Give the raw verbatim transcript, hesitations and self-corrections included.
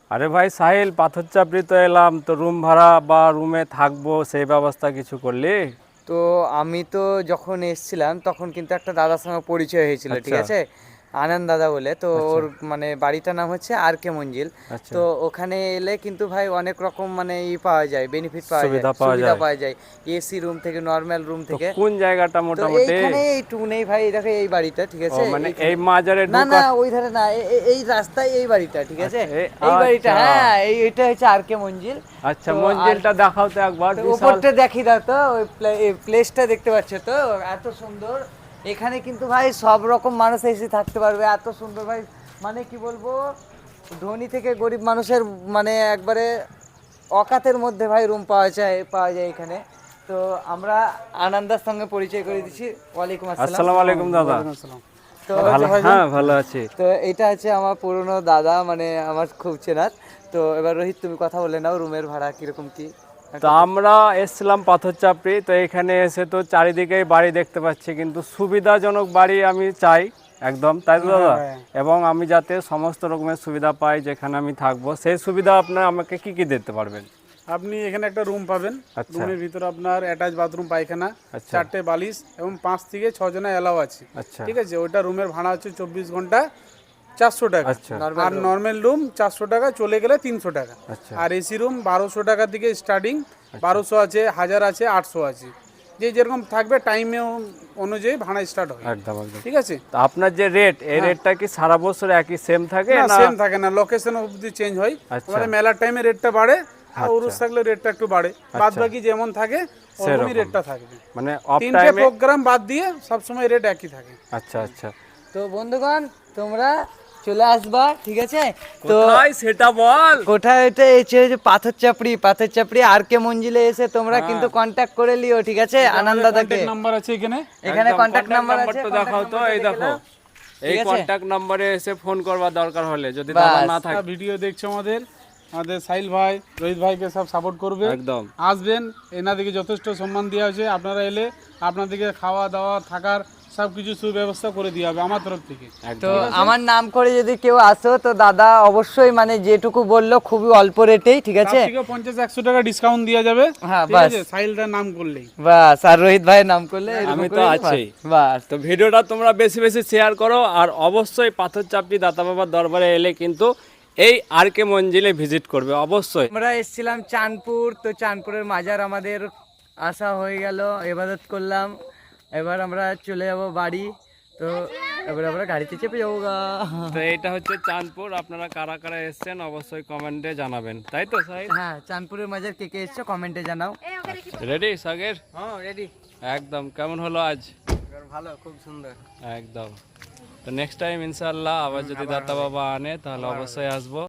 আরে ভাই সাহিল, পাথর চাপড়ি তো এলাম, তো রুম ভাড়া বা রুমে থাকবো সেই ব্যবস্থা কিছু করলি? তো আমি তো যখন এসেছিলাম তখন কিন্তু একটা দাদার সঙ্গে পরিচয় হয়েছিল, ঠিক আচ্ছা আছে, আনন্দ দাদা বলে। তো আচ্ছা ওর মানে বাড়িটার নাম হচ্ছে আর কে মঞ্জিল। আচ্ছা। তো ওখানে এলে কিন্তু ভাই অনেক রকম মানে ই পাওয়া যায়, বেনিফিট পাওয়া যায়, সুবিধা পাওয়া সুবিধা যায়। পাওয়া যায়, এসি রুম থেকে, নর্মাল রুম তো থেকে। কোন জায়গাটা তো মোটামুটি? এইখানে এইটুকু নেই ভাই, এই দেখো এই বাড়িটা, ঠিক ও আছে, মানে এই এইখানে। মাজারে না না, ঢোকা? ওই ধারে না, এ- এ- এই রাস্তায় এই বাড়িটা, ঠিক আছে, আচ্ছা, এ- এই বাড়িটা, আচ্ছা হ্যাঁ, এই এটা হচ্ছে আর কে মঞ্জিল। আচ্ছা, তো আর মঞ্জিলটা দেখাও তো একবার, তো বিশাল। উপরটা দেখি দাও তো, ওই প্লেসটা দেখতে পাচ্ছ তো, এত সুন্দর। এখানে কিন্তু ভাই সব রকম মানুষ এসে থাকতে পারবে, এত সুন্দর ভাই, মানে কি বলবো, ধনী থেকে গরিব মানুষের মানে একবারে অকাতের মধ্যে ভাই রুম পাওয়া যায়, পাওয়া যায় এখানে। তো আমরা আনন্দার সঙ্গে পরিচয় করে দিচ্ছি। ওয়ালাইকুম আসসালাম। আসসালামু আলাইকুম দাদা। তো ভালো, হ্যাঁ ভালো আছি। তো এটা হচ্ছে আমার পুরনো দাদা, মানে আমার খুব চেনার। তো এবার রোহিত, তুমি কথা বলে নাও, রুমের ভাড়া কিরকম কি। তো আমরা এসছিলাম পাথর চাপড়ি, তো এখানে এসে তো চারিদিকেই বাড়ি দেখতে পাচ্ছি, কিন্তু সুবিধাজনক বাড়ি আমি চাই একদম, তাই তো দাদা? এবং আমি যাতে সমস্ত রকমের সুবিধা পাই যেখানে আমি থাকবো, সেই সুবিধা আপনার আমাকে কি কি দিতে পারবেন? আপনি এখানে একটা রুম পাবেন। আচ্ছা রুমের ভিতরে আপনার অ্যাটাচ বাথরুম, পায়খানা, আচ্ছা চারটে বালিশ এবং পাঁচ থেকে ছ জনের অ্যালাও আছে। আচ্ছা ঠিক আছে, ওইটা রুমের ভাড়া হচ্ছে চব্বিশ ঘন্টা চারশো টাকা। আচ্ছা আর নর্মাল রুম চারশো টাকা, চলে গেলে তিনশো টাকা। আচ্ছা আর এসি রুম বারোশো টাকা থেকে স্টার্টিং, বারোশো আছে, হাজার আছে, আটশো আছে। যে যেরকম থাকবে টাইমে অনুযায়ী ভাড়া স্টার্ট হয়। একদম একদম। ঠিক আছে, তো আপনার যে রেট, এই রেটটা কি সারা বছর একই সেম থাকে না না? সেম থাকে না, লোকেশন অবধি চেঞ্জ হয়। আচ্ছা। এবারে মেলার টাইমে রেটটা বাড়ে, আর উরুস থাকলে রেটটা একটু বাড়ে, বাদ বাকি যেমন থাকে ওরকমই রেটটা থাকবে। মানে অফ তিনটে টাইমে? প্রোগ্রাম বাদ দিয়ে সব সময় রেট একই থাকে। আচ্ছা আচ্ছা। তো বন্ধুগণ, তোমরা চলে আসবা, ঠিক আছে। তো কোথায় সেটা বল। কোথায় এটা এসে যে পাথর চাপড়ি, পাথর চাপড়ি আর কে মঞ্জিলে এসে তোমরা কিন্তু কন্ট্যাক্ট করে লিও, ঠিক আছে, আনন্দ দাদাকে। নাম্বার আছে এখানে, এখানে কন্ট্যাক্ট নাম্বার আছে, নাম্বারটা দেখাও তো, এই দেখো, এই ঠিক আছে? কন্টাক্ট নম্বরে এসে ফোন করবার দরকার হলে, যদি দাদা না থাকে। ভিডিও দেখছো আমাদের, আমাদের সাহিল ভাই, রোহিত ভাইকে সব সাপোর্ট করবে। একদম আসবেন, এনাদেরকে যথেষ্ট সম্মান দেওয়া হয়েছে। আপনারা এলে আপনাদেরকে খাওয়া দাওয়া থাকার সব কিছু সুব্যবস্থা করে দেওয়া হবে আমার তরফ থেকে। তো আমার নাম করে যদি কেউ আসো, তো দাদা অবশ্যই মানে যেটুকু বললো খুবই অল্প রেটেই, ঠিক আছে, তার থেকে পঞ্চাশ একশো টাকা ডিসকাউন্ট দেওয়া যাবে। হ্যাঁ, ঠিক বাস। আছে, সাহিলদার নাম করলেই বাস, আর রোহিত ভাইয়ের নাম করলে এরকম আমি তো করে, আছি। বাস। তো ভিডিওটা তোমরা বেশি বেশি শেয়ার করো, আর অবশ্যই পাথর চাপড়ি দাতা বাবার দরবারে এলে কিন্তু এই আর কে মঞ্জিলে ভিজিট করবে অবশ্যই। আমরা এসেছিলাম চাঁদপুর, তো চাঁদপুরের মাজার আমাদের আসা হয়ে গেল, ইবাদত করলাম, এবার আমরা চলে যাব বাড়ি। তো এবার আমরা গাড়িতে চেপে যাবো গা। তো এইটা হচ্ছে চাঁদপুর, আপনারা কারা কারা এসেছেন অবশ্যই কমেন্টে জানাবেন, তাই তো সাহিল? হ্যাঁ, চাঁদপুরের মাজার কে কে এসছো কমেন্টে জানাও। রেডি সাগের? হ্যাঁ, রেডি। একদম। কেমন হলো আজ? ভালো, খুব সুন্দর। একদম। তো নেক্সট টাইম ইনশাআল্লাহ আবার যদি দাতা বাবা আনে তাহলে অবশ্যই আসবো।